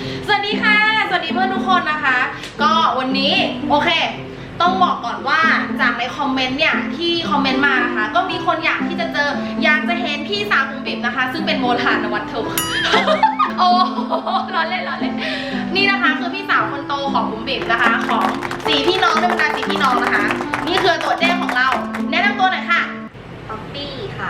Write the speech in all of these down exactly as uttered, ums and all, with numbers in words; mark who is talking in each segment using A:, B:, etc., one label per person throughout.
A: สวัสดีค่ะสวัสดีเพื่อนทุกคนนะคะก็วันนี้โอเคต้องบอกก่อนว่าจากในคอมเมนต์เนี่ยที่คอมเมนต์มานะคะก็มีคนอยากที่จะเจออยากจะเห็นพี่สาวบุ๋มบิ่มนะคะซึ่งเป็นโมทานวัตถุ โอ้ร้อนเล่นร้อนเล่นนี่นะคะคือพี่สาวคนโตของบุ๋มบิ่มนะคะของสี่พี่น้องในบรรดาสี่พี่น้องนะคะนี่คือตัวเจ้ของเราแนะนำตัวหน่อยค่ะ
B: ป๊อปปี้ค่ะ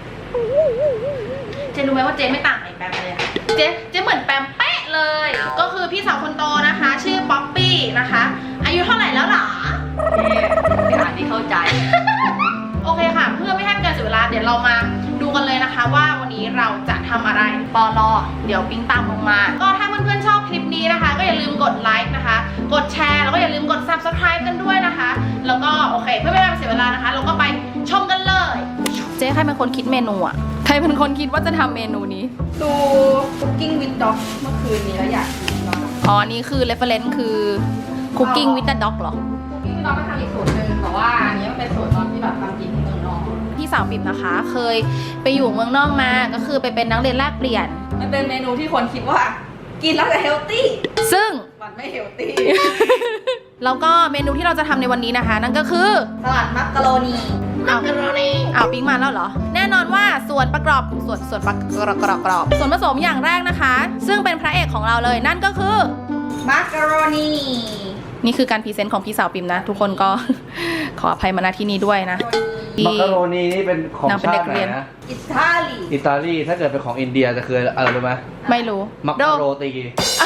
A: เจนรู้ไหมว่าเจนไม่ต่างไหนแปมเลยค่ะเจนเจนเหมือนแปมเป๊ะเลยก็คือพี่สาวคนโตนะคะชื่อป๊อปปี้นะคะอายุเท่าไหร่แล้วหรอ
B: ไม่อ่านที่เข้าใจ
A: โอเคค่ะเพื่อไม่ให้เป็นการเสียเวลาเดี๋ยวเรามาดูกันเลยนะคะว่าวันนี้เราจะทำอะไรปอลอเดี๋ยวปิ๊งตามลงมาก็ถ้าเพื่อนๆชอบคลิปนี้นะคะก็อย่าลืมกดไลค์นะคะกดแชร์แล้วก็อย่าลืมกด ซับสไครบ์ กันด้วยนะคะแล้วก็โอเคเพื่อไม่ให้เป็นการเสียเวลานะคะเราก็ไปชมกันเลยเจ๊ใครเป็นคนคิดเมนูอ่ะใครเป็นคนคิดว่าจะทำเมนูนี้
B: ดู Cooking with Dog เมื่อคืนนี้แล้วอยากกินมาก
A: อ๋อนี่คือ reference คือ cooking with the dog เหรอ
B: Cooking with Dog มันทำอีกสูตรหนึ่งแต่ว่าอันนี้มันเป็นสูตรตอนที่แบบทำกินที่เมืองนอก
A: พี่สาวปิ่มนะคะ เคยไปอยู่เมืองนอกมาก็คือไปเป็นนักเรียนแลกเปลี่ยน
B: มันเป็นเมนูที่คนคิดว่ากินแล้วจะเฮลตี้
A: ซึ่ง
B: มันไม่เฮลตี้
A: แล้วก็เมนูที่เราจะทำในวันนี้นะคะ นั่นก็คือ
B: สลัดมักกะโรนี
A: เอาเอาปิ้งมาแล้วเหรอแน่นอนว่าส่วนประกอบส่วนส่วนประกอบกรอบกรอบส่วนผสมอย่างแรกนะคะ ซึ่งเป็นพระเอกของเราเลยนั่นก็คือ
B: มักกะโรนี
A: นี่คือการพรีเซนต์ของพี่สาวปิ่มนะ ทุกคนก็ ขออภัยมาณที่นี้ด้วยนะ
C: มักกะโรนีนี่เป็นของ
A: นางเป็น
C: ชา
A: เด็
C: ติ
A: ก
C: ไหน
A: เรียน
C: นะ
B: อิตาลี
C: อิตาลีถ้าเกิดเป็นของอินเดียจะคืออะไรรู้ไหม
A: ไม่รู้
C: มักกะโรตี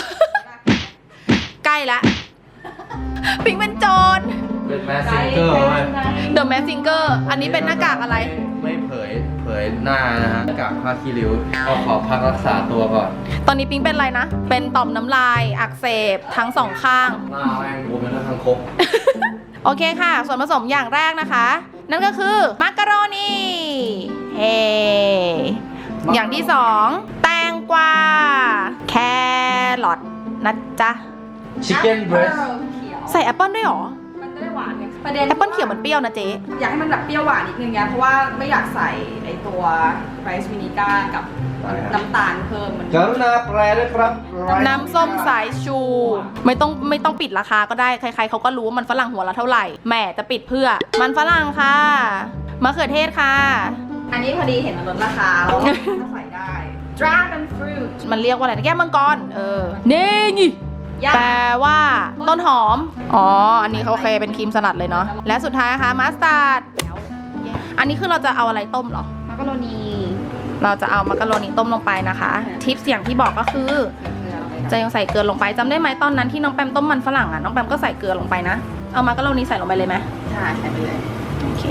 A: ใกล้ละปิงเป็นโจร
C: เป็นแมสซิงเกอร์ไหม
A: The Mask Singer อันนี้เป็นหน้ากากอะไร
C: ไม่เผยเผยหน้านะฮะหน้ากากผ้าคีริ้วก็ขอพักรักษาตัวก่อน
A: ตอนนี้ปิงเป็นอะไรนะ เป็นต่อมน้ำลายอักเสบทั้งสองข้าง
C: หน้าแม่งบวมเป็นทั้งคก
A: โอเคค่ะ ส่วนผสมอย่างแรกนะคะ นั่นก็คือมักกะโรนีเฮอย่างที่สองแตงกวาแครอทนะจ๊ะ
C: ชิคเก้นเบรส
A: ใส่แอปเปิ้ลด้วยเหรอ
B: มันจะได้หวานไงประเด็น
A: แอปเปิ้ลเขียวมันเปรี้ยวนะเจ๊
B: อยากให้มันแบบเปรี้ยวหวานนิดนึงไงเพราะว่าไม่อยากใส่ไอตัวไรซ์วินิก้ากับน้ำตาลเพิ่มมัน
C: กรุณาแปลด้วยครับ
A: น้ำส้มสายชู ไม่ต้องไม่ต้องปิดราคาก็ได้ ใครๆเขาก็รู้ว่ามันฝรั่งหัวละเท่าไหร่แหมจะปิดเพื่อ มันฝรั่งค่ะมะเขือเทศค่ะ
B: อันนี้พอดีเห็นมันลดราคาแล้วก็ใส่ได้ Dragon Fruit
A: มันเรียกว่าอะไรนะแก้วมังกรเออนี่นี่
B: ย่า
A: แปลว่าต้นหอม อ๋อ อันนี้เขาโอเคเป็นครีมสลัดเลยเนาะ และสุดท้ายนะคะมัสตาร์ด อันนี้คือเราจะเอาอะไรต้มเหรอ
B: มักกะโรนี
A: เราจะเอามักกะโรนีต้มลงไปนะคะ ทิปอย่างที่บอกก็คือ จะยังใส่เกลือลงไปจำได้ไหมตอนนั้นที่น้องแปมต้มมันฝรั่งอ่ะ น้องแปมก็ใส่เกลือลงไปนะ เอามักกะโรนีใส่ลงไปเลยไหม
B: ใช่ใส่ไปเลย
A: โอเค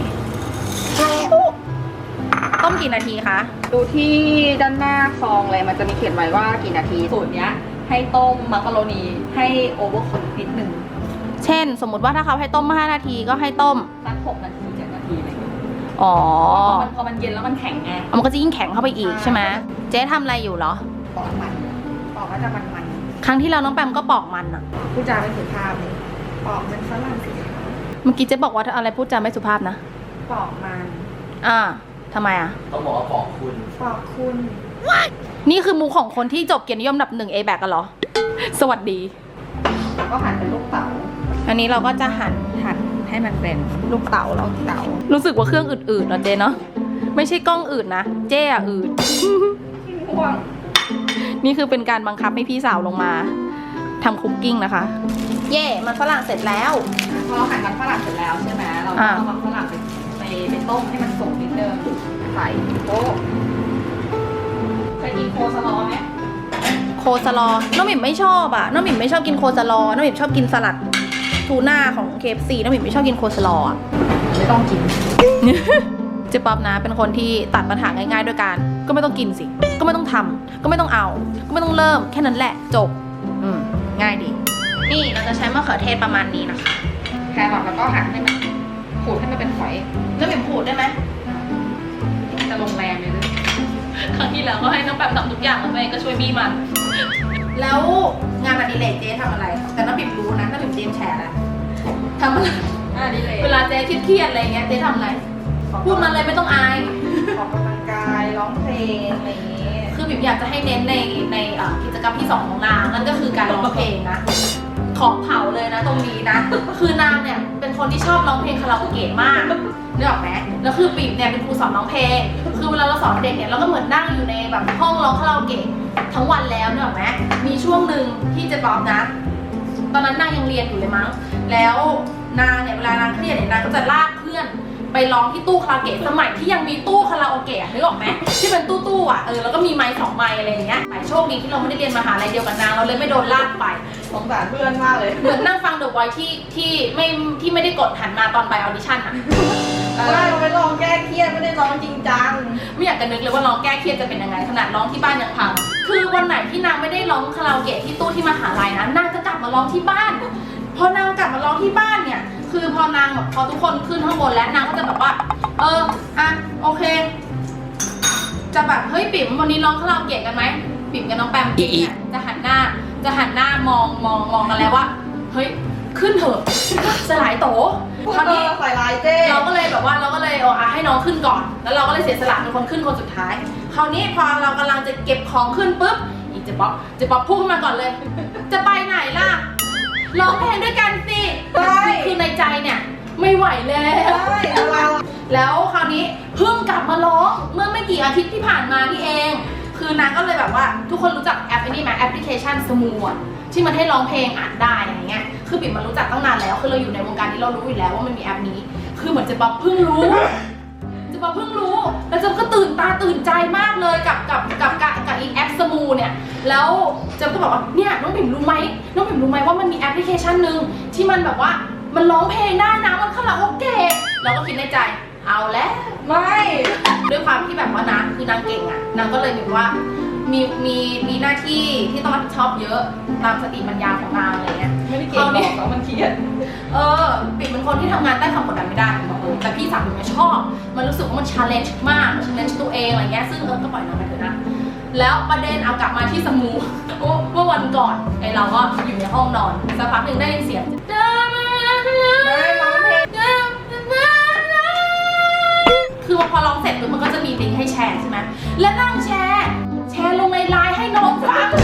A: ต้มกี่นาทีคะ
B: ดูที่ด้านหน้าซองเลยมันจะมีเขียนไว้ว่ากี่นาทีสูตรเนี้ยให้ต้มมักกะโรนีให้โอเวอร์คุกนิดนึง
A: เช่น สมมุติว่าถ้าเขาให้ต้มห้านาทีก็ให้ต้ม
B: สักหกนาทีเจ็ดนาทีอะไรอย่างเงี้ย
A: อ๋อ
B: พอมันพอมันเย็นแล้วมันแข็งไง
A: มันก็จะยิ่งแข็งเข้าไปอีกใช่ไหมเจ๊ทำอะไรอยู่เหรอ
B: ปอกมันปอกก็จะมันมัน
A: ครั้งที่แล้วน้องแปมก็ปอกมันอะ
B: ผู้จาไม่สุภาพเลยปอกเป็นฝรั่งสิคะ
A: เมื่อกี้เจ๊บอกว่าอะไรพูดจาไม่สุภาพนะ
B: ปอกมัน
A: อ่าทำไมอ่ะ
C: ต้องบอกว่าบอกคุณ
B: ปอกคุณ
A: นี่คือมูของคนที่จบเกียรตินิยมอันดับหนึ่ง เอ แบก กันเหรอ สวัสดี
B: แล้วก็หั่นเป็นลูกเต๋า
A: อันนี้เราก็จะหั่น
B: หั่นให้มันเป็นลูกเต๋าแล้วเต๋า
A: รู้สึกว่าเครื่องอืดๆเนอะเจ๊เนาะ ไม่ใช่กล้องอืดนะ เจ๊อะอืด
B: ห่วง
A: นี่คือเป็นการบังคับให้พี่สาวลงมาทำคุกกิ้งนะคะ เย่มันฝรั่งเสร็จแล้ว
B: พอหั่นมันฝรั่งเสร็จแล้วใช่ไหมเราก็
A: อ่า
B: เอามันฝรั่งไปไปไปต้มให้มันสุกนิดนึงใส่โป๊ะเคยกินโคสลอไหม
A: โคสลอ น้องหมิ่มไม่ชอบอะน้องหมิ่มไม่ชอบกินโคสลอ น้องหมิ่มชอบกินสลัดทูน่าของ เค เอฟ ซี น้องหมิ่มไม่ชอบกินโคสลออะ
B: ไม่ต้องกิน
A: เจ๊ป๊อบนะเป็นคนที่ตัดปัญหาง่ายๆด้วยการก็ไม่ต้องกินสิ ก็ไม่ต้องทำก็ไม่ต้องเอา ก็ไม่ต้องเริ่มแค่นั้นแหละจบ อืมง่ายดี นี่เราจะใช้มะเขือเทศประมาณนี้นะคะ
B: แครอทแล้วก็หั่นให้มันขูดให้มันเป็นฝอย
A: แล้วหมิ่มขูดได้ไหม
B: จะลงแรงเลยด้วย
A: ครั้งที่แล้วก็ให้น้องแปมทำทุกอย่างแล้วตัวเองก็ช่วยบี้มัน แล้วงานอดิเรกเจ๊ทำอะไร แต่น้องหมิ่มรู้นะน้องหมิ่มเตรียมแชร์แล้วทำอะไร
B: อ่าดีเลย
A: เวลาเจ๊เครียดๆอะไรเงี้ยเจ๊ทำอะไรพูดมาเลยไม่ต้องอาย
B: ออกกำลังกายร้องเพลงอะไรอย่างนี้
A: คือบิ่มอยากจะให้เน้นในในเอ่อกิจกรรมที่สองของนางนั่นก็คือเพลงนะขอเผาเลยนะตรงนี้นะ คือนางเนี่ยเป็นคนที่ชอบร้องเพลงคาราโอเกะมากนึกออกไหมแล้วคือปิ่มเนี่ยเป็นครูสอนร้องเพลงคือเวลาเราสอนเด็กเนี่ยเราก็เหมือนนั่งอยู่ในแบบห้องร้องคาราโอเกะทั้งวันแล้วนึกออกไหมมีช่วงหนึ่งที่เจะบอกนะตอนนั้นนางยังเรียนอยู่เลยมั้งแล้วนางเนี่ยเวลานางเครียดเนี่ยนางก็จะลากเพื่อนไปร้องที่ตู้คาราโอเกะสมัยที่ยังมีตู้คาราโอเกะนึกออกไหมที่เป็นตู้ตู้อ่ะเออแล้วก็มีไม้สองไม้อะไรอย่างเงี้ยแต่โชคดีที่เราไม่ได้เรียนมหาลัยเดียวกับนางเราเลยไม่โดนลากไป
B: สงสารเพื่อนมากเลย
A: เหมือนนั่งฟังเดอะไวท์ที่ที่ไม่ที่ไม่ได้กดหันมาตอนไปออดิชั่นอ่ะ
B: ไม่เราไปลองแก้เครียดไม่ได้ร้องจริงจัง
A: ไม่อยากจะนึกเลยว่าร้องแก้เครียดจะเป็นยังไงขนาดร้องที่บ้านยังพังคือวันไหนที่นางไม่ได้ร้องคาราโอเกะที่ตู้ที่มหาลัยนะนางจะกลับมาร้องที่บ้านพอนางกลับมาร้องที่บ้านเนี่ยคือพอนางแบบพอทุกคนขึ้นข้างบนแล้วนางก็จะแบบว่าเอออ่ะโอเคจะแบบเฮ้ยปิ๋มวันนี้ร้องคาราโอเกะกันไหมปิ๋มกับน้องแปมเนี่ยจะหันหน้าจะหันหน้ามองมองมองกันแล้วว่าเฮ้ยขึ้นเถอะสลายโตคราวนี้
B: ใส่ลายเจ้
A: เราก็เลยแบบว่าเราก็เลยเอาให้น้องขึ้นก่อนแล้วเราก็เลยเสียสละเป็นคนขึ้นคนสุดท้ายคราวนี้พอเรากำลังจะเก็บของขึ้นปุ๊บอีเจ๊ป๊อปเจ๊ป๊อปพูดขึ้นมาก่อนเลย จะไปไหนล่ะร้องเพลงด้วยกันสิคือในใจเนี่ยไม่ไหวแล้ว
B: ใช่เรา
A: แล้วคราวนี้เพิ่งกลับมาร้องเมื่อไม่กี่อาทิตย์ที่ผ่านมานี่เองคือนางก็เลยแบบว่าทุกคนรู้จักแอปนี้ไหมแอปพลิเคชันสมูทที่มันให้ร้องเพลงอ่านได้อะไรเงี้ยคือปิ่มมันรู้จักตั้งนานแล้วคือเราอยู่ในวงการนี้เรารู้อยู่แล้วว่ามันมีแอปนี้คือเหมือนเจะป๊อปเพิ่งรู้เจะป๊อปเพิ่งรู้แล้วเจะก็ตื่นตาตื่นใจมากเลยกับกับกับกับกับอีแอปสมูเนี่ยแล้วเจะก็บอกว่าเนี่ยน้องปิ่มรู้ไหมน้องปิ่มรู้ไหมว่ามันมีแอปพลิเคชันหนึ่งที่มันแบบว่ามันร้องเพลงได้นะมันคาราโอเกะเราก็คิดในใจเอาแล้ว
B: ไม่
A: ด้วยความที่แบบว่านางคือนางเก่งอ่ะนางก็เลยแบบว่ามีมีมีหน้าที่ที่ต้องรับผิดชอบเยอะตามสติปัญญาของนางอะไรเงี้ย
B: ไม่ได้เก่งหรอกแต่มันเครียด
A: เออปิ่มเป็นคนที่ทำงานใต้ความกดดันไม่ได้บอกเออแต่พี่สาวปิ่มไม่ชอบมันรู้สึกว่ามันชาเลนจ์มากชาเลนจ์ตัวเองอะไรเงี้ยซึ่งเออก็ปล่อยนางไปเถอะนะแล้วประเด็นเอากลับมาที่สมูเมื่อวันก่อนไอเราก็อยู่ในห้องนอนสักพักหนึ่งได้ยินเสียงคือพอร้องเสร็จปุ๊บมันก็จะมีลิงก์ให้แชร์ใช่ไหมแล้วนั่งแชร์แชร์ลงในไลน์ให้น้องฟัง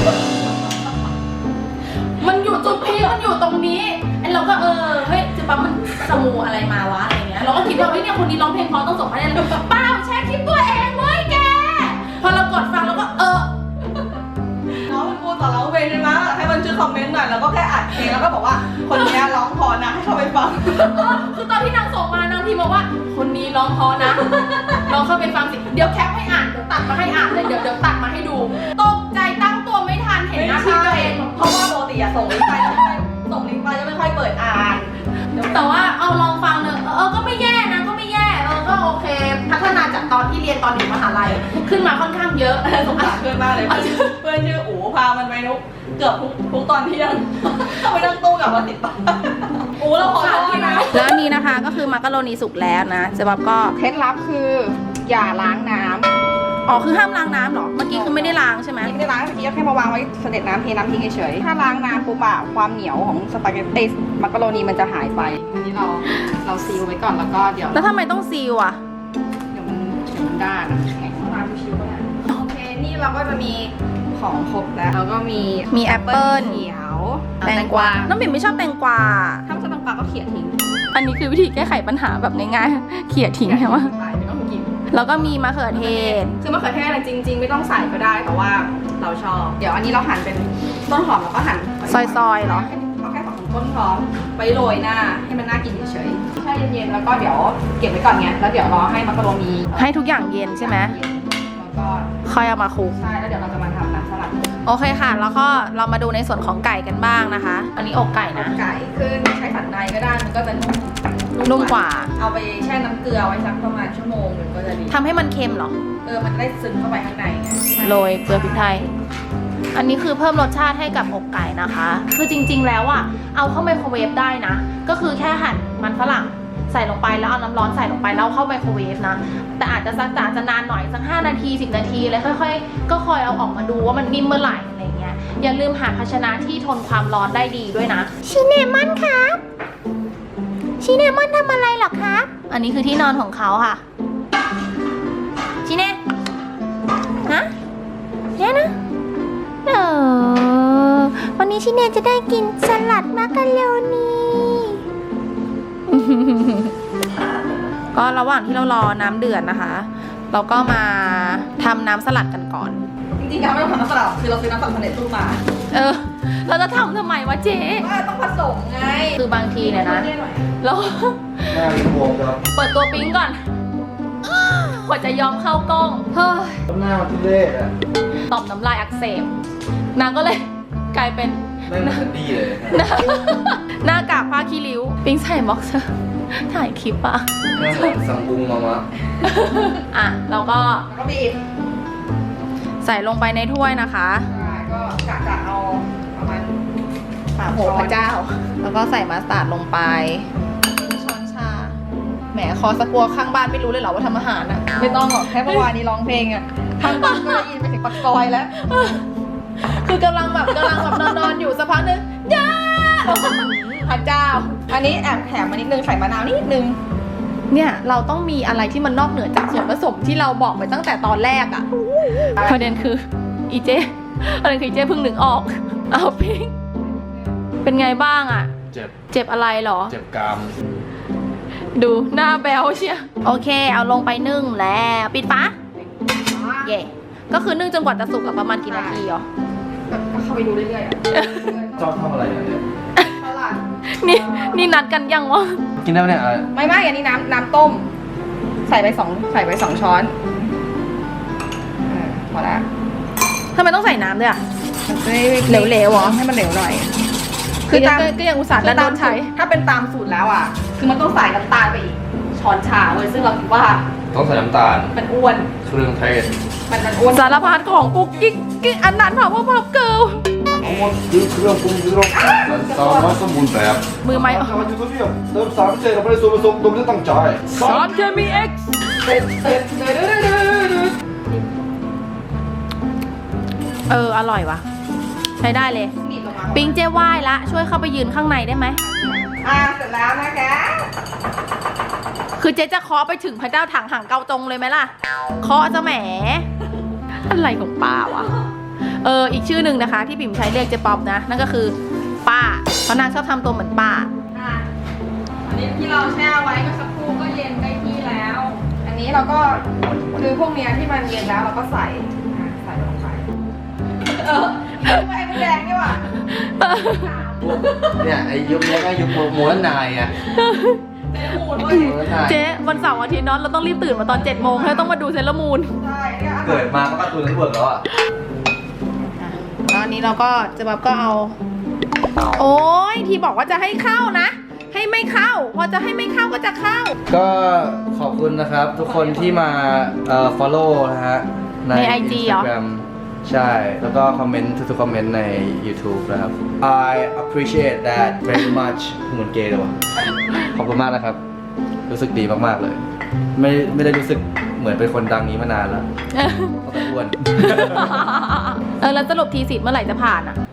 A: มันอยู่จุดพีคมันอยู่ตรงนี้ไอ้เราก็เออเฮ้ยจะปั๊มมันสมูอะไรมาวะอะไรเงี้ยเราก็คิดว่าเฮ้ยเนี่ยคนนี้ร้องเพลงเพราะต้องส่งมาให้เลยเปล่าแชร์คลิปตัวเองเว้ยแกพอเรากดฟังเราก็เออ
B: น้องเป็นครูสอนร้องเพลงใช่ไหมให้มันชื่อคอมเมนต์หน่อยแล้วก็แค่อัดเพลงแล้วก็บอกว่าคนนี้ร้องพอนะให้เข้าไปฟัง
A: คือตอนที่นางส่งมานางพิมพ์มาว่าคนนี้ร้องเพราะนะ ลองเข้าไปฟังสิเดี๋ยวแคปให้อ่านเดี๋ยวตัดมาให้อ่านเลยเดี๋ยวเดี๋ยวตัดมาให้ดูตกใจตั้งตัวไม่ทันเห็นหน้าพี่ตัวเอง
B: เพราะว่าปกติอะส่งลิงก์ไปแล้วไม่ค่อยส่งลิงก์ไปแล้วไม่ค่อยเปิดอ่าน
A: แต่ว่าเอาลองฟังเนอะเออก็ไม่แย่นะก็ไม่แย่เออก็โอเค พัฒนาจากตอนที่เรียนตอนอยู่มหาลัยขึ้นมาค่อนข้างเยอะ
B: สงสารเพื่อนมากเลยเพื่อนชื่ออู๋พามันไปนุกเกือบทุกทุกตอนเที่ยงต้องไปนั่งตู้กับมาติดปากอู๋เราขอโทษนะ
A: แล้วอันนี้นะคะก็คือมักกะโรนีสุกแล้วนะเจ๊บ๊อบก็
B: เคล็ดลับคืออย่าล้างน้ำ
A: อ๋อคือห้ามล้างน้ำเหรอเมื่อกี้คือไม่ได้ล้างใช่ไหม
B: ไม่ได้ล้างเมื่อกี้แค่มาวางไว้เสด็จน้ำเทน้ำทิ้งเฉยๆถ้าล้างน้ำปุ๊บอะความเหนียวของสปาเกตตี้มักกะโรนีมันจะหายไปอันนี้เราเราซีลไว้ก่อนแล้วก็เดี๋ยว
A: แล้วทำไมต้องซีลอ่ะ
B: เดี๋ยวมันเดี๋ยวมันด้านอะไงร้านชิวๆก็ได้โอเคนี่เราก็จะมีของครบแล้วแล้วก็มี
A: มีแอปเปิ้ล
B: เขียว
A: แตงกวาน้องบิ่มไม่ชอบแตงกวา
B: ถ้าไม่ชอบแตงกวาก็เขี่ยทิ้ง
A: อันนี้คือวิธีแก้ไขปัญหาแบบง่ายๆเขี่ยทิ้งใช่ไหม
B: ไปไม่ต้องกิน
A: แล้วก็มีมะเขือเทศ
B: คือมะเขือเทศจริง ๆ ไม่ต้องใส่ก็ได้แต่ว่าเราชอบ เดี๋ยวอันนี้เราหั่นเป็นต้นหอมแล้วก็หั่น
A: ซอยๆเหรอ
B: เอาแค่สองต้นหอมไปโรยหน้าให้มันน่ากินเฉยๆแช่เย็นๆแล้วก็เดี๋ยวเก็บไว้ก่อนไงแล้วเดี๋ยวรอให้มักกะโรนี
A: ให้ทุกอย่างเย็นใช่ไหม
B: แล้วก็
A: ค่อยเอามาคลุก
B: ใช่แล้วเดี๋ยวเราจะมาทำน้ำสลัด
A: โอเคค่ะ แล้วก็เรามาดูในส่วนของไก่กันบ้างนะคะ อันนี้อกไก่นะ
B: ไก่คือใช้สันในก็ได้มันก็จะนุ่ม
A: นุ่มกว่า
B: เอาไปแช่น้ำเกลือไว้สักประมาณชั่วโมงหนึ่งก็จะดี
A: ทำให้มันเค็มเหรอ
B: เออมันได้ซึมเข้าไปข้างในไง
A: โรยเกลือพริกไทย อันนี้คือเพิ่มรสชาติให้กับอกไก่นะคะ คือจริงๆแล้วอ่ะ เอาเข้าไมโครเวฟได้นะ ก็คือแค่หั่นมันฝรั่งใส่ลงไปแล้วเอาน้ำร้อนใส่ลงไปแล้วเข้าไมโครเวฟนะ แต่อาจจะสักอาจจะนานหน่อยสักห้านาทีสิบนาทีเลยค่อยๆ ก็คอยเอาออกมาดูว่ามันนิ่มเมื่อไหร่อะไรเงี้ย อย่าลืมหาภาชนะที่ทนความร้อนได้ดีด้วยนะ ชิเนมอนครับชิเนมอนทำอะไรหรอครับ อันนี้คือที่นอนของเขาค่ะ ชิเน่ฮะเนี่ยนะเออวันนี้ชิเนจะได้กินสลัดมักกะโรนี ก็ระหว่างที่เรารอน้ำเดือดนะคะ เราก็มาทำน้ำสลัดกันก่อน
B: จริงๆเราไม่ต้องทำน้ำสลัดคือเราซื้อน้ำสลัดสำเร็จรูปมา
A: เออ เราจะทำทำไมวะเจ๊
B: ว่าต้องผสมไง
A: คือบางทีเนี่ยนะเรา
C: หน้ามีบวมครับ
A: เปิดตัวปิ๊งก่อนกว่าจะยอมเข้ากล้อง เฮ้ย
C: หน้ามันทุเรศอ่ะ
A: ตอบน้ำลายอักเสบนางก็เลยกลายเป็น
C: ไม่เหมือนดีเลย
A: หน้าหน้ากากผ้าขี้ริ้ว ปิ๊งใส่บ็อกเซอร์ถ่ายคลิปอะ
C: หน้าเหมือนสังบุงมามะ
A: อ่ะ เราก็
B: แล้วก็บีบ
A: ใส่ลงไปในถ้วยนะคะ
B: ใช่ก็กะจะเอาประมาณสาม
A: โหพระเจ้า แล้วก็ใส่มัสตาร์ดลงไปช้อนชา แหมคอสกัวข้างบ้านไม่รู้เลยเหรอว่าทำอาหารอะ
B: ไม่ต้องหรอกแค่เมื่อวานนี้ร้องเพลงอะทางบ้านก็ได้ยินไปถึงปากซอยแล้ว
A: คือกำลังแบบกำลังแบบนอนๆอยู่สักพักนึงย่าพระเจ้า
B: อันนี้แอบแถมมานิดนึงใส่มะนาวนิดนึง
A: เนี่ยเราต้องมีอะไรที่มันนอกเหนือจากส่วนผสมที่เราบอกไปตั้งแต่ตอนแรกอะประเด็นคืออีเจประเด็นคืออีเจเพิ่งนึกออก เอาพิงเป็นไงบ้างอะ
C: เจ็บ
A: เจ็บอะไรเหรอ
C: เจ็บกราม
A: ดูหน้าแบลเชียโอเค เอาลงไปนึ่งแล้วปิดปะเย่ก็คือนึ่งจนกว่าจะสุกอะประมาณกี่นาทีเหรอ
B: ก็เข้าไปดูเรื่อยๆอะ
C: ชอบทำอะไรเนี่ย
B: สลัด
A: นี่นี่นัดกันยังวะ
C: กินได้ไหมเนี่ยอะไร
B: ไม่ไม่อันนี้น้ำน้ำต้ม ใส่ไปสองใส่ไปสองช้อนเออพอละ
A: ทำไมต้องใส่น้ำด้วยอะ
B: เหลวๆเหรอให้มันเหลวหน่อย
A: คือ
B: ตาม
A: ก็ก็ยังอุตส่าห์ดันโดนใช้
B: ถ้าเป็นตามสูตรแล้วอ่ะ คือมันต้องใส่น้ำตาลไปอีกช้อนชาเว้ยซึ่งเราคิดว่า
C: ต้องใส่น้ำตาล
B: มันอ้วน
C: เครื่องเทศ
B: มันมันอ้วน
A: สารพัดของกุ๊กกิ๊กกิ๊กอันนั้นเผาพับเกิล
D: ทั้งหมดคือเครื่องปรุงที่เราสามารถสมบูรณ์แบบ
A: มือไม้
D: แต่ว่าจุดตัวเนี้ยเติมสารพิเศษเราไม่ได้ส่วนผสมโดยไม่ได้ตั้งใจ
A: ซอสเคมีเอ็กซ์
B: เต็มเต็มเต็ม
A: เออ อร่อยว่ะ ใช้ได้เลย
B: บีบลงมา
A: ปิงเจ้ว่ายละ ช่วยเข้าไปยืนข้างในได้ไหม
B: อ่าเสร็จแล้วนะคะ
A: คือเจ๊จะเคาะไปถึงพระเจ้าถังห่างเกาตรงเลยไหมล่ะ เคาะจะแหม อะไรของป้าวะ เออ อีกชื่อหนึ่งนะคะ ที่ปิ่มใช้เรียกเจ๊ป๊อปนะ นั่นก็คือ ป้า เพราะนางชอบทำตัวเหมือนป้า
B: อ่ะอันนี้ที่เราแช่ไว้เมื่อสักครู่ก็เย็นได้ที่แล้ว อันนี้เราก็คือพวกเนี้ยที่มันเย็นแล้วเราก็ใส่อ่ะใส่ลงไปเออไอ้มดแดงนี่ว่ะ
C: เนี่ยไอ้ยุคนี้ก็ยุคโมเดิร์นไนน์อ่ะ
B: เต็มหมูด้วย
C: โมเดิร์นไนน์
A: เจ๊วันเสาร์อาทิตย์เนอนเราต้องรีบตื่นมาตอนเจ็ดโมงแล้วต้องมาดูเซเลอร์มูน
B: ใช่เนี่ยอร่
C: เกิ
B: อย
C: ดมาก็การ์ตูนเน็ตเวิร์กแล้วอ่ะ
A: แล้วอันนี้เราก็จะแบบก็เอา โอ้ยที่บอกว่าจะให้เข้านะ ให้ไม่เข้า พอจะให้ไม่เข้าก็จะเข้า
C: ก็ขอบคุณนะครับ ทุกคนที่มาเอ่อ follow นะฮะ ใน
A: ใน ไอ จี เหรอ
C: Instagram ใช่ แล้วก็คอมเมนต์ทุกๆคอมเมนต์ใน YouTube นะครับ I appreciate that very much เหมือนเกย์เลยวะขอบคุณมากนะครับ รู้สึกดีมากๆเลย ไม่ไม่ได้รู้สึกเหมือนเป็นคนดังนี้มานานแล้วตั้งแต่อ้วน
A: เออแล้วสรุปทีสิทธิ์เมื่อไหร่จะผ่านอ่ะ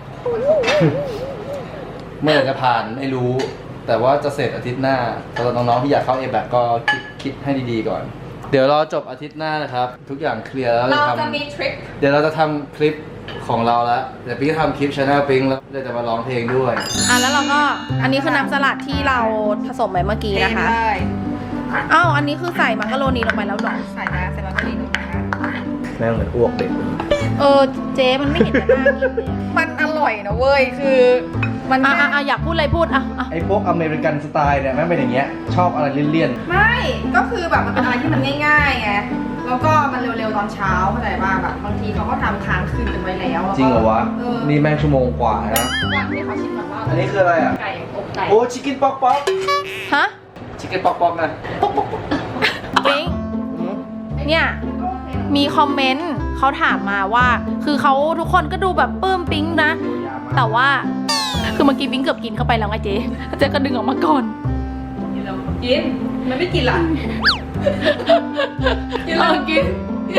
C: เมื่อไหร่จะผ่านไม่รู้ แต่ว่าจะเสร็จอาทิตย์หน้าสำหรับน้องๆที่อยากเข้า เอ แบค ก็คิดคิดให้ดีๆก่อน เดี๋ยวรอจบอาทิตย์หน้านะครับ ทุกอย่างเคลียร์แล้ว
B: เรา
C: จะ
B: จะ
C: ทำ
B: มีทริค
C: เดี๋ยวเราจะทำคลิปของเราแล้วเดี๋ยวปิ๊งจะทำคลิปช anel ปิ๊งแล้วเดี๋ยวจะมาร้องเพลงด้วย
A: อ่ะแล้วเราก็ อันนี้คือน้ำสลัดที่เราผสมไปเมื่อกี้นะคะ
B: เลย
A: อ้าว อันนี้คือใส่มักกะโรนีลงไปแล้วเหรอ
B: ใส่นะใส่มาก็ดีหนูนะคะ
C: แม่งเหมือนอ้วกเด็กเลย
A: เออ เจ๊มันไม่เห็นจะน่ากินเลย
B: มันอร่อยนะเว้ย คือมัน
A: อ่ะ
B: แค่
A: อ่ะอ่ะอยากพูดอะไรพูด อ่ะอ่ะ
C: ไอ้พวกอเมริกันสไตล์เนี่ยแม่งเป็นอย่างเงี้ยชอบอะไรเลี่ยน
B: ไม่ ก็คือแบบมันเป็นอะไรที่มันง่ายๆไง แล้วก็มันเร็วๆตอนเช้าเข้าใจป่ะแบบบางทีเขาก็ทำค้างคืนกันไว้แล้วแล้วก็
C: ๆจริงเหรอวะ
B: เออ
C: นี่แม่งชั่วโมงกว่านะ
B: ก่อนที่เขาชิมก่อนว่า
C: อันนี้คืออะไรอ่ะ
B: ไก่อบไก่
C: โอ้ชิคกี้ป๊อกป๊อก
A: ฮะ
C: ชิคกี้ป๊อกป๊อกนะ
A: ปิ๊ง เนี่ย มีคอมเมนต์เขาถามมาว่า คือเขาทุกคนก็ดูแบบปลื้มปิ๊งนะ แต่ว่า คือเมื่อกี้ปิ๊งเกือบกินเข้าไปแล้วไงเจ๊เจ๊ก็ดึงออกมาก่อน
B: กินแล้วกิน มันไม่กินล่ะ กินแล้วกิน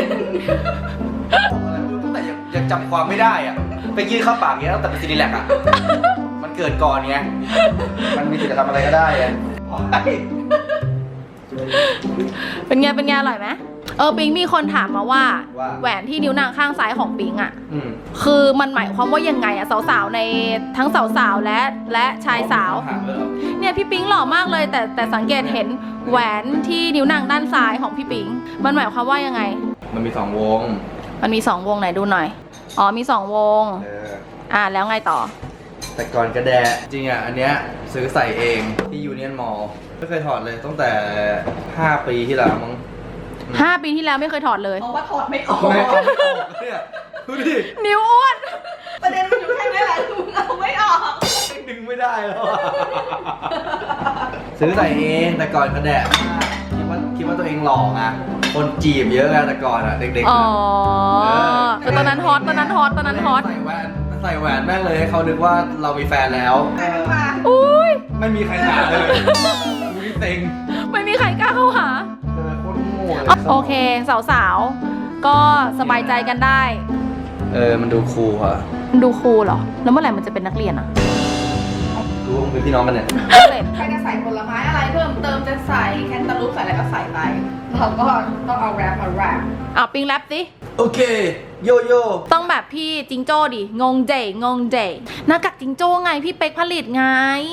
C: ตั้งแต่ยังยังจำความไม่ได้อ่ะไปกินข้าวปากเงี้ยตั้งแต่เป็นซีดีแลกอ่ะ มันเกิดก่อนไงมันมีสิทธิ์จะทำอะไรก็ได้ไง
A: เป็นไง เป็นไง อร่อยไหม
B: อ
A: เออปิงมีคนถามมาว่า
C: ว่า
A: แหวนที่นิ้วนางข้างซ้ายของปิงอ่ะ
C: อืม
A: คือมันหมายความว่ายังไงอะสาวๆในทั้งสาวๆและและชายสาว
C: ถามเลยเหรอ
A: เนี่ยพี่ปิงหล่อมากเลยแต่แต่สังเกตเห็นแหวนที่นิ้วนางด้านซ้ายของพี่ปิงมันหมายความว่ายังไง
C: มันมีสองวง
A: มันมีสองวงไหนดูหน่อยอ๋อมีสองวง
C: เออ
A: อ่าแล้วไงต่อ
C: แต่ก่อนกระแดะจริงอ่ะ อันเนี้ยซื้อใส่เองที่ยูเนียนมอลล์ไม่เคยถอดเลยตั้งแต่ห้าปีที่แล้วมั้ง
A: ห้าปีที่แล้วไม่เคยถอดเลย
B: เพราะว่าถอดไม่ออก
C: ไม่เอาไม่ออกเนี่ยดูดิ
A: นิ้วอ้วน
B: ประเด็นมันอยู่แค่นี้แหละคือเอาไม่ออก
C: ดึงไม่ได้แล้วอะซื้อใส่เองแต่ก่อนกระแดะคิดว่าคิดว่าตัวเองหล่อไงคนจีบเยอะไงแต่ก่อนอ่ะเด็กๆ
A: อ๋อ
C: อะ
A: คือตอนนั้นฮอตตอนนั้นฮอตตอนนั้นฮอต
C: ใส่แหวนใส่แหวนแม่งเลยให้เขานึกว่าเรามีแฟนแล้ว
B: ใครมันมา
A: อุ้ย
C: ไม่มีใครถามเลยดูดิเต็ง
A: ไม่มีใครกล้าเข้าหา
C: เออโคตรโง่เลย
A: โอเคสาวๆก็สบายใจกันได้
C: เออมันดูคูลอะ
A: ดูคูลเหรอแล้วเมื่อไหร่มันจะเป็นนักเรียนอะ
C: ดูมึงเป็นพี่น้องกันเนี่ย
B: ใครจะใส่ผลไม้อะไรเพิ่มเติมจะใส่แคนตาลูปใส่อะไรก็ใส่ไป เราก็ต้องเอาแรปมาแรป
A: อ่ะปิงแรปสิ
C: โอเคโยโย่
A: ต้องแบบพี่จิงโจ้ดิงงเจงงเจหน้ากากจิงโจ้ไงพี่เป๊กผลิตไง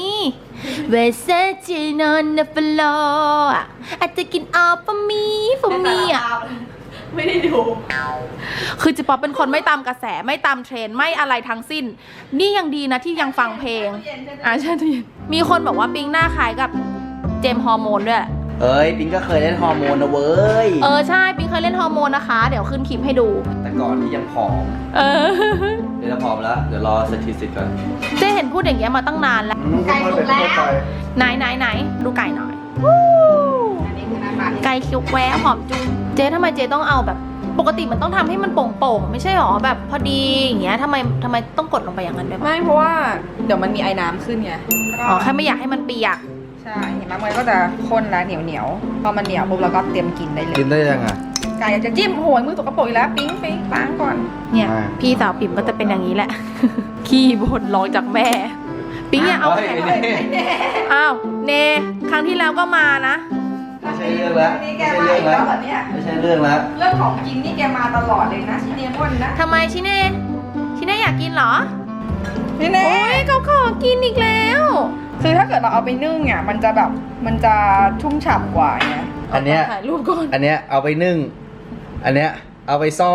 A: Versace on the floor อ่ะอาจจะกิน all for me for me อ่ะ
B: ไม่ได้ดู
A: คือจิป๊อปเป็นคนไม่ตามกระแสไม่ตามเทรนด์ไม่อะไรทั้งสิ้น นี่ยังดีนะที่ยังฟังเพลงอ่ะใช่ทุกอย่างมีคนบอกว่าปิงหน้าคล้ายกับเจมส์ฮอร์โมนด้วย
C: เอ้ยปิงก็เคยเล่นฮอร์โมนนะเว้ย
A: เออใช่ปิงเคยเล่นฮอร์โมนนะคะ เดี๋ยวขึ้นคลิปให้ดู
C: แต่ก่อนที่ยังผอม
A: เออ
C: เดี๋ยวจะผอมแล้ว เดี๋ยวรอสถิติก่อน
A: เจ๊เห็นพูดอย่างเงี้ยมาตั้งนานแล้ว
B: ไก่สุกแล้ว
A: ไหนไหนไหนดูไก่หน่อย
B: อันนี้คือหน้าตาที่
A: ไก่คิวแวะหอมจุงเจ๊ทำไมเจ๊ต้องเอาแบบ ปกติมันต้องทำให้มันโป่งๆไม่ใช่หรอแบบพอดีอย่างเงี้ยทำไมทำไมต้องกดลงไปอย่างนั้นด้วยปะ
B: ไม่เพราะว่าเดี๋ยวมันมีไอ้น้ำขึ้นไง
A: อ๋อแค่ไม่อยากให้มันเปียก
B: ใช่เห็นไหมมันก็จะข้นและเหนียวเหนียวๆพอมันเหนียวปุ๊บเราก็เตรียมกินได้เลย
C: กินได้ยังอ่ะ
B: ไก่จะจิ้มโหยมือตกกระโปรงอีกแล้วปิ๊งปิ๊งล้างก่อน
A: เนี่ย
C: อ่า
A: พี่สาวปิ่มก็จะเป็นอย่างนี้แหละ ขี้บ่นร้องจากแม่ ปิ๊งอย่าเอา
C: เฮ้ย
A: แขน
C: ไอ้เน่
A: อ้าวเนครั้งที่แล้วก็มานะ
C: ไม่ใช่เรื่องแล้ว
B: นี่แก
C: ไม่ใช่
B: มา
C: เรื่อ
B: อี
C: ง
B: ก
C: แล้
B: แล้ว วเหรอเนี่ย
C: ไม่ใช่เรื่องแล้ว
B: เรื่องของกินนี่แกมาตลอดเลยนะชิเนมอนนะ
A: ทำไมชิเน่ชิเน่อยากกินเหรอ
B: นี่แน่
A: โอ้ยเขาขอกินอีกแล้ว
B: คือถ้าเกิดเราเอาไปนึ่งอ่ะมันจะแบบมันจะชุ่มฉ่ำกว่าไง
C: อันเนี้ย
A: ถ่ายรูปก่อน
C: อันเนี้ยเอาไปนึ่ง อันเนี้ยเอาไปซ่อง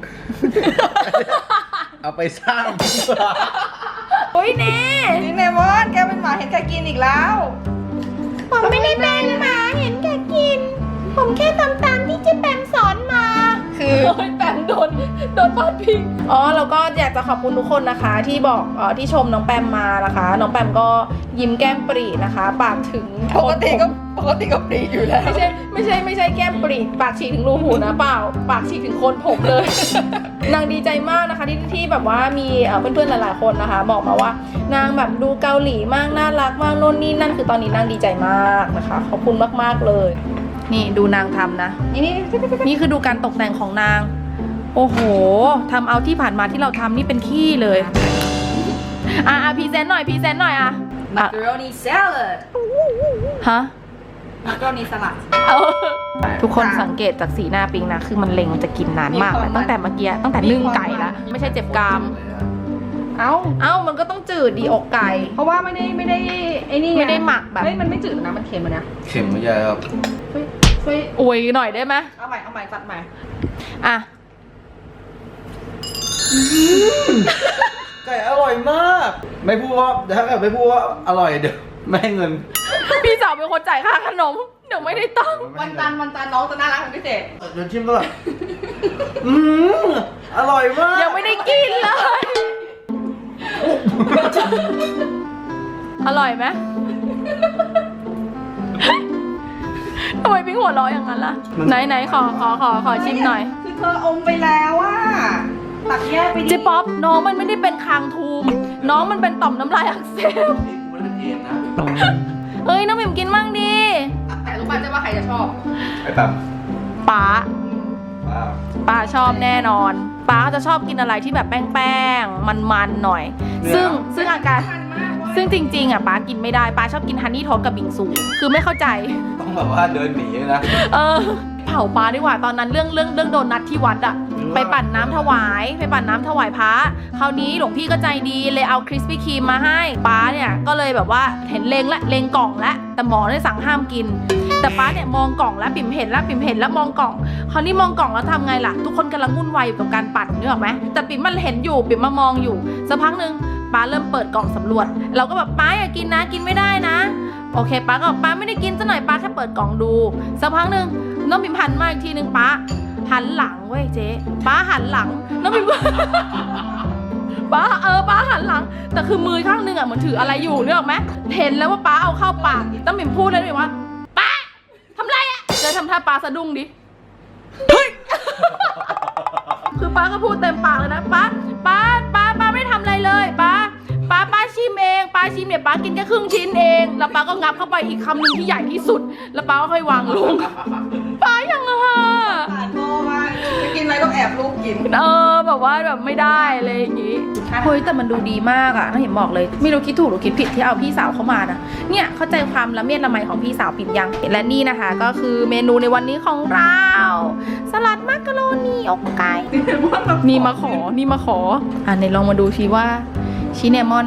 C: เอาไปสร้าง
A: โอ้ยเน่
B: ชิเนมอนแกเป็นหมาเห็นแกกินอีกแล้ว
A: ผมไม่ได้เป็นหมาเห็นแกกิน ผมแค่ทำตามที่เจ๊แปมสอนมา
B: คือ
A: โอ้ยแปมโดนโดนพาดพิงอ๋อแล้วก็อยากจะขอบคุณทุกคนนะคะ ที่บอกเอ่อที่ชมน้องแปมมานะคะ น้องแปมก็ยิ้มแก้มปรีนะคะ ปากถึง
B: ปกติก็ปกติก็ปรีอยู่แล้ว
A: ไม่ใช่ไม่ใช่ไม่ใช่แก้มปรีปากฉีกถึงรูหูนะเปล่า ปากฉีกถึงโคนผมเลย นางดีใจมากนะคะที่ที่แบบว่ามีเอ่อเพื่อนๆหลายๆคนนะคะ บอกมาว่านางแบบดูเกาหลีมากน่ารักมากโน่นนี่นั่นคือตอนนี้นางดีใจมากนะคะขอบคุณมากๆเลย นี่ดูนางทำนะ
B: นี่นี่
A: นี่คือดูการตกแต่งของนาง โอ้โหทำเอาที่ผ่านมาที่เราทำนี่เป็นขี้เลย อ่ะอ่ะพรีเซนต์หน่อยพรีเซนต์หน่อยอ่ะ
B: มั
A: อ่ะ
B: กโรนีสลัด
A: ฮะ
B: มักโรนีสลัด
A: เอาทุกคนสังเกตจากสีหน้าปิงนะ คือมันเล็งจะกินนานมาก
B: มีความ
A: ตั้งแต่เมื่อกี้ตั้งแต่นึ่งไก่แล้วไม่ใช่เจ็บกราม
B: เอ้า
A: เอ้ามันก็ต้องจืดดีอกไก่
B: เพราะว่าไม่ได้ไม่ได้ไอ้นี่ง
A: ไม่ได้หมักแบบ
B: เฮ้ยมันไม่จืดนะมันเค็มอะนะ
C: เข็มไม่ใช่ครับ
B: ช่วยช่วย
A: อวยหน่อยได้ไหม
B: เอาใหม่เอาใหม่ฟัดใหม่
A: อ่ะ
C: ไก่อร่อยมาก ไม่พูดว่าถ้าเกิดไม่พูดว่าอร่อยเดี๋ยวไม่ให้เงิน
A: พี่สาวเป็นคนจ่ายค่าขนมเดี๋ยวไม่ได้ตังค์
B: วันจันทร์วันจันทร์น้องจะน่ารักเป็นพิเศษ
C: เดี๋ยวชิมก่อนอืมอร่อยมาก
A: ยังไม่ได้กินเลย อร่อยไหมทำไมพี่หัวเร้ออย่างนั้นล่ะ ไหนไหนขอขอขอขอชิมหน่อย
B: คือเธออมไปแล้วอะตักแยกไปดิ
A: เจ๊ป๊อปน้องมันไม่ได้เป็นคางทูม น้องมันเป็นต่อมน้ำลายอักเสบ
C: มันเป็นเอมนะ
A: เอ้ยน้องหมิมกินมั่งดิ
B: แต่รู้ป่ะเจ๊ว่าใครจะชอบ
C: ไอ้ปั๊ม
A: ป๊า
C: ว้าว
A: ป๊าชอบแน่นอนป๊าจะชอบกินอะไรที่แบบแป้งๆมันๆหน่อย ซึ่งซึ่งอาการ
B: มันมากเว้ย
A: ซึ่งจริงๆอ่ะป๊ากินไม่ได้ป๊าชอบกินฮันนี่โทสต์กับบิงซูคือไม่เข้าใจ
C: ต้องแบบว่าเดินหนีเลยนะ
A: เออ พาป้าดีกว่าตอนนั้นเรื่องเรื่องเรื่องโดนนัดที่วัดอะไปปั่นน้ำถวายไปปั่นน้ำถวายพระคราวนี้หลวงพี่ก็ใจดีเลยเอาคริสปี้ครีมมาให้ป้าเนี่ยก็เลยแบบว่าเห็นเลงละเลงกล่องละแต่หมอได้สั่งห้ามกิน แต่ป้าเนี่ยมองกล่องแล้วปิ่มเห็นแล้วปิ่มเห็นแล้วมองกล่องคราวนี้มองกล่องแล้วทำไงล่ะทุกคนกำลังวุ่นวายอยู่กับการปั่นนึกออกไหมแต่ปิ่มมันเห็นอยู่ปิ่มมามองอยู่สักพักหนึ่งป้าเริ่มเปิดกล่องสำรวจเราก็แบบป้าอย่ากินนะกินไม่ได้นะโอเคป้าก็บอกป้าไม่ได้กินซะหน่อยป้าแค่เปิดกล่องดูสักพักหนึ่งน้องปิ่มหันมาอีกทีหนึ่งป้าหันหลังเว้ยเจ๊ป้าหันหลังน้องปิ่ม ป้าเออป้าหันหลังแต่คือมือข้างหนึงอ่ะเหมือนถืออะไรอยู่นึกออกไหมเห็นแล้วว่าป้าเอาเข้าปากน้องปิ่มพูดเลยว่าป้าทำไรอ่ะเลยทำท่าป้าสะดุ้งดิเฮ้ย คือป้าก็พูดเต็มปากเลยนะป้าป้าป้าป้าไม่ทำอะไรเลยป้าป้าป้าชิมเองป้าชิมเนี่ยป้ากินแค่ครึ่งชิ้นเองแล้วป้าก็งับเข้าไปอีกคำหนึ่งที่ใหญ่ที่สุดแล้วป้าก็ค่อยวางลง ป้ายังอะค่ะ
B: ผ่านโทรมาจะกินอะไรต้องแอบลูกกิน
A: เออแบบว่าแบบไม่ได้อะไรอย่างงี้เฮ้ยแต่มันดูดีมากอะน้าเห็นบอกเลยไม่รู้คิดถูกหรือคิดผิดที่เอาพี่สาวเข้ามานะเนี่ยเข้าใจความละเมียดละไมของพี่สาวปิ่มยังและนี่นะคะก็คือเมนูในวันนี้ของเราสลัดมักกะโรนีอกไก่นี่มาขอนี่มาขออ่ะในลองมาดูชีว่าชิเนมอน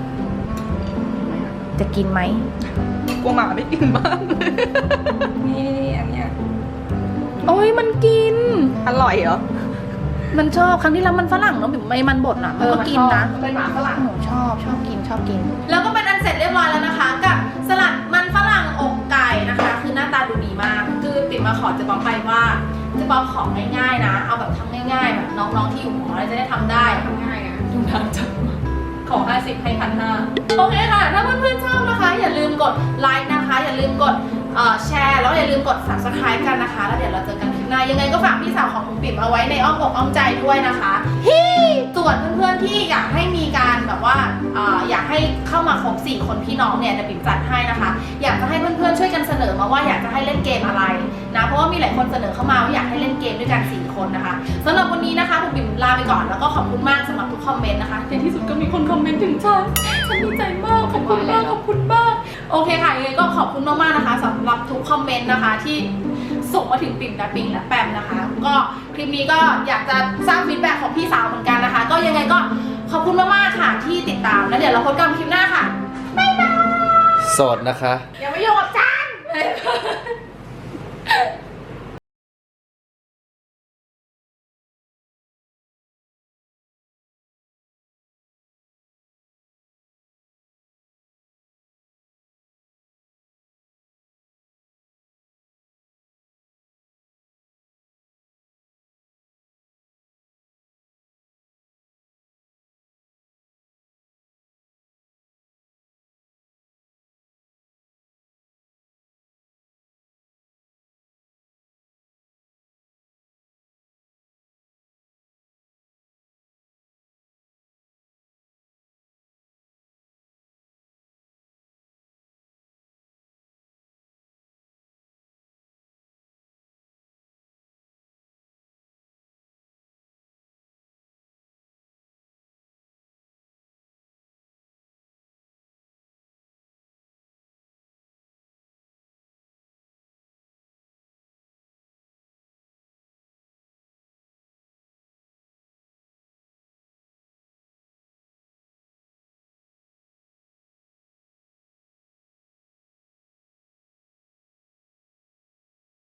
A: จะกินไหม
B: กลัวหมาไม่กินบ้าง นี่นี่อันเนี้ย
A: โอ้ยมันกิน
B: อร่อยเหรอ
A: มันชอบครั้งที่แล้วมันฝรั่งเนาะแบบไม่มันบดอ่ะมันก็กินนะ
B: มันเป็นหมาฝรั่ง
A: หนูชอบชอบกินชอบกิน แล้วก็เป็นอันเสร็จเรียบร้อยแล้วนะคะ กับสลัดมันฝรั่งอกไก่นะคะ คือหน้าตาดูดีมาก คือปิ่มมาขอเจะบอกไปว่าเจะบอกของง่ายๆนะ เอาแบบทำง่ายๆแบบน้องๆที่อยู่หอจะได้ทำได้
B: ทำง่ายนะ
A: ดูทางจังขอห้าสิบให้พันห้าโอเคค่ะ ถ้าเพื่อนๆชอบนะคะ อย่าลืมกดไลค์นะคะ อย่าลืมกดเอ่อแชร์แล้วอย่าลืมกด ซับสไครบ์ กันนะคะ แล้วเดี๋ยวเราเจอกันคลิปหน้ายังไงก็ฝากพี่สาวของคุณปิ่มเอาไว้ในอ้อมอกอ้อมใจด้วยนะคะฮี่ส่วนเพื่อนๆที่อยากให้มีการแบบว่าเอ่ออยากให้เข้ามาครบสี่คนพี่น้องเนี่ยเดี๋ยวปิ่มจัดให้นะคะ อยากจะให้เพื่อนๆช่วยกันเสนอมาว่าอยากจะให้เล่นเกมอะไรนะเพราะว่ามีหลายคนเสนอเข้ามาว่าอยากให้เล่นเกมด้วยกันสี่คนนะคะสำหรับวันนี้นะคะผมปิ่มลาไปก่อนแล้วก็ขอบคุณมากสำหรับทุกคอมเมนต์นะคะในที่สุดก็มีคนคอมเมนต์ถึงฉันฉันดีใจมากขอบคุณมากขอบคุณมากโอเคค่ะยังไงก็ขอบคุณมากๆนะคะสำหรับทุกคอมเมนต์นะคะที่ส่งมาถึงปิ่มและปิงและแปมนะคะก็คลิปนี้ก็อยากจะสร้างฟีดแบ็กของพี่สาวเหมือนกันนะคะก็ยังไงก็ขอบคุณมากๆค่ะที่ติดตามแล้วเดี๋ยวเราพบกันคลิปหน้าค่ะบ๊ายบาย
C: โสดนะคะ
A: อย่ามาโยงกับฉัน